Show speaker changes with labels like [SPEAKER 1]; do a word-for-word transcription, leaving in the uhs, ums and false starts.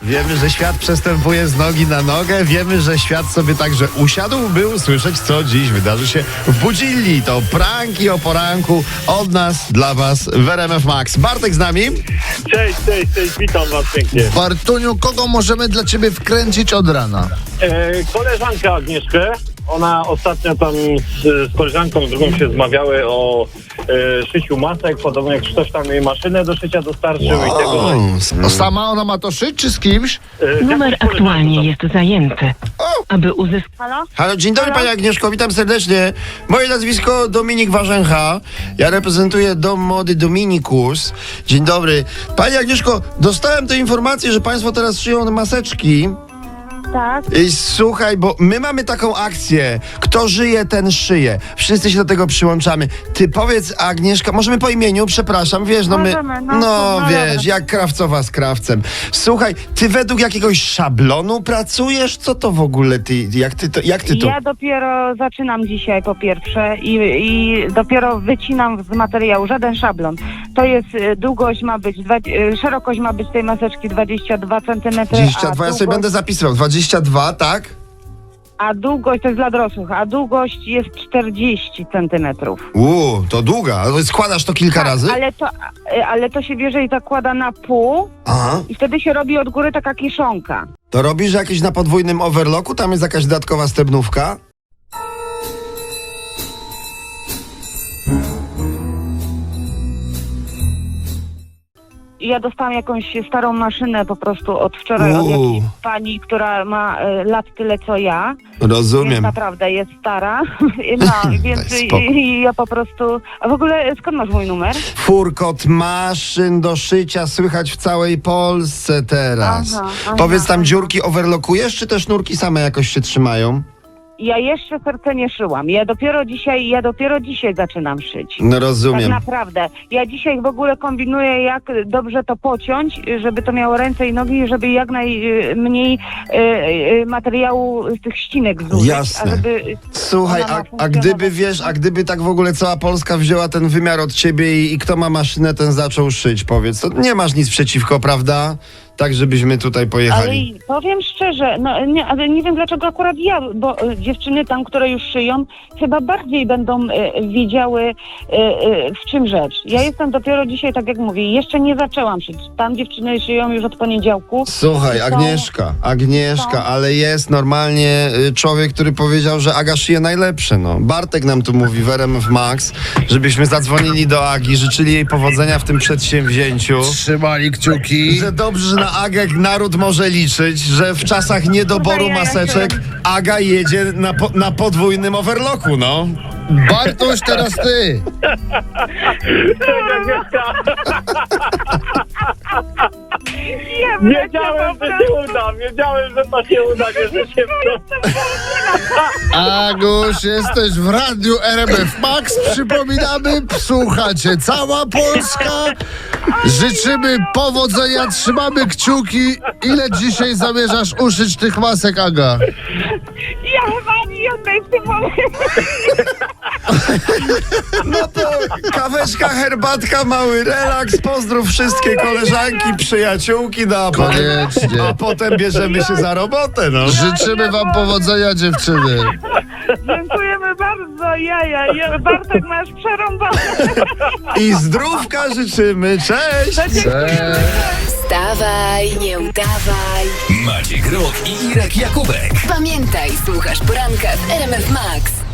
[SPEAKER 1] Wiemy, że świat przestępuje z nogi na nogę. Wiemy, że świat sobie także usiadł, by usłyszeć, co dziś wydarzy się w Budzilli. To pranki o poranku od nas dla was w R M F Max. Bartek z nami.
[SPEAKER 2] Cześć, cześć, cześć, witam was pięknie.
[SPEAKER 3] Bartuniu, kogo możemy dla ciebie wkręcić od rana?
[SPEAKER 2] E, koleżankę Agnieszkę, ona ostatnio tam z, z koleżanką drugą się zmawiały o e, szyciu masek, podobno jak ktoś tam jej maszynę do szycia dostarczył i tego.
[SPEAKER 3] O, sama ona ma to szyć, czy z kimś?
[SPEAKER 2] E,
[SPEAKER 4] Numer
[SPEAKER 2] jakąś
[SPEAKER 4] aktualnie
[SPEAKER 2] koleżankę
[SPEAKER 4] jest zajęty. Aby uzyskać...
[SPEAKER 1] Halo, dzień dobry Pani Agnieszko, witam serdecznie. Moje nazwisko Dominik Warzęcha. Ja reprezentuję Dom Mody Dominikus. Dzień dobry. Pani Agnieszko, dostałem tę informację, że Państwo teraz szyją maseczki.
[SPEAKER 5] Tak.
[SPEAKER 1] I słuchaj, bo my mamy taką akcję. Kto żyje, ten szyje. Wszyscy się do tego przyłączamy. Ty powiedz, Agnieszka, możemy po imieniu, przepraszam, wiesz, no my...
[SPEAKER 5] Możemy, no,
[SPEAKER 1] No,
[SPEAKER 5] no
[SPEAKER 1] wiesz,
[SPEAKER 5] dobra.
[SPEAKER 1] jak krawcowa z krawcem. Słuchaj, ty według jakiegoś szablonu pracujesz? Co to w ogóle ty, jak ty to, jak ty to...
[SPEAKER 5] Ja dopiero zaczynam dzisiaj po pierwsze i, i dopiero wycinam z materiału, żaden szablon. To jest, y, długość ma być, dwa, y, szerokość ma być tej maseczki dwadzieścia dwa centymetry,
[SPEAKER 1] dwadzieścia dwa,
[SPEAKER 5] a
[SPEAKER 1] ja sobie
[SPEAKER 5] długość,
[SPEAKER 1] będę zapisywał. dwadzieścia dwa, tak?
[SPEAKER 5] a długość to jest dla dorosłych, a długość jest czterdzieści centymetrów.
[SPEAKER 1] Uuu, to długa. Ale składasz to kilka razy?
[SPEAKER 5] Ale to, y, ale to się bierze i zakłada na pół
[SPEAKER 1] Aha.
[SPEAKER 5] i wtedy się robi od góry taka kiszonka.
[SPEAKER 1] To robisz jakieś na podwójnym overlocku? Tam jest jakaś dodatkowa stebnówka?
[SPEAKER 5] Ja dostałam jakąś starą maszynę po prostu od wczoraj od
[SPEAKER 1] Uuu.
[SPEAKER 5] jakiejś pani, która ma y, lat tyle co ja. Więc
[SPEAKER 1] Rozumiem.
[SPEAKER 5] naprawdę jest stara. No, więc
[SPEAKER 1] Daj spokój.
[SPEAKER 5] i, i ja po prostu... A w ogóle skąd masz mój numer?
[SPEAKER 1] Furkot maszyn do szycia słychać w całej Polsce teraz.
[SPEAKER 5] Aha, aha,
[SPEAKER 1] Powiedz, tam
[SPEAKER 5] aha.
[SPEAKER 1] dziurki overlockujesz, czy te sznurki same jakoś się trzymają?
[SPEAKER 5] Ja jeszcze serce nie szyłam. Ja dopiero dzisiaj, ja dopiero dzisiaj zaczynam szyć.
[SPEAKER 1] No
[SPEAKER 5] Tak
[SPEAKER 1] rozumiem.
[SPEAKER 5] naprawdę. Ja dzisiaj w ogóle kombinuję, jak dobrze to pociąć, żeby to miało ręce i nogi, żeby jak najmniej e, e, materiału z tych ścinek zużyć.
[SPEAKER 1] Jasne.
[SPEAKER 5] A żeby
[SPEAKER 1] Słuchaj,
[SPEAKER 5] ona ma
[SPEAKER 1] a, a
[SPEAKER 5] funkcjonować.
[SPEAKER 1] gdyby, wiesz, a gdyby tak w ogóle cała Polska wzięła ten wymiar od ciebie i, i kto ma maszynę, ten zaczął szyć, powiedz. To nie masz nic przeciwko, prawda? Tak, żebyśmy tutaj
[SPEAKER 5] Ale
[SPEAKER 1] pojechali.
[SPEAKER 5] powiem szczerze, no nie, ale nie wiem dlaczego akurat ja, bo e, dziewczyny tam, które już szyją, chyba bardziej będą e, wiedziały e, e, w czym rzecz. Ja jestem dopiero dzisiaj, tak jak mówię, jeszcze nie zaczęłam szyć. Tam dziewczyny szyją już od poniedziałku.
[SPEAKER 1] Słuchaj,
[SPEAKER 5] Są-
[SPEAKER 1] Agnieszka, Agnieszka,
[SPEAKER 5] są-
[SPEAKER 1] ale jest normalnie y, człowiek, który powiedział, że Aga szyje najlepsze, no. Bartek nam tu mówi w R M F Max, żebyśmy zadzwonili do Agi, życzyli jej powodzenia w tym przedsięwzięciu.
[SPEAKER 3] Trzymali kciuki.
[SPEAKER 1] Że dobrze, że na Agę naród może liczyć, że w czasach niedoboru
[SPEAKER 5] Kurwa, ja
[SPEAKER 1] maseczek Aga jedzie na, po, na podwójnym overlocku, no.
[SPEAKER 3] Bartuś, teraz ty.
[SPEAKER 2] Cześć Agnieszka,
[SPEAKER 5] Ja
[SPEAKER 2] wiedziałem, że się uda, wiedziałem, że to się uda, wierzę się w to.
[SPEAKER 3] Aguś, jesteś w radiu R M F Max. Przypominamy, słuchacie, cała Polska. Życzymy powodzenia, trzymamy kciuki. Ile dzisiaj zamierzasz uszyć tych masek, Aga?
[SPEAKER 5] Ja chyba ani jednej w tym momencie.
[SPEAKER 1] No to kaweczka, herbatka, mały relaks, pozdrów wszystkie koleżanki, przyjaciółki, no a potem,
[SPEAKER 3] Koniecznie.
[SPEAKER 1] a potem bierzemy się za robotę, no.
[SPEAKER 3] Życzymy wam powodzenia, dziewczyny.
[SPEAKER 5] Dziękujemy bardzo, jaja. Ja, Bartek, masz przerąbane.
[SPEAKER 1] I zdrówka życzymy, cześć!
[SPEAKER 3] Cześć.
[SPEAKER 6] Wstawaj, nie udawaj.
[SPEAKER 7] Maciek Rok i Irek Jakubek.
[SPEAKER 6] Pamiętaj, słuchasz poranka w R M F Max.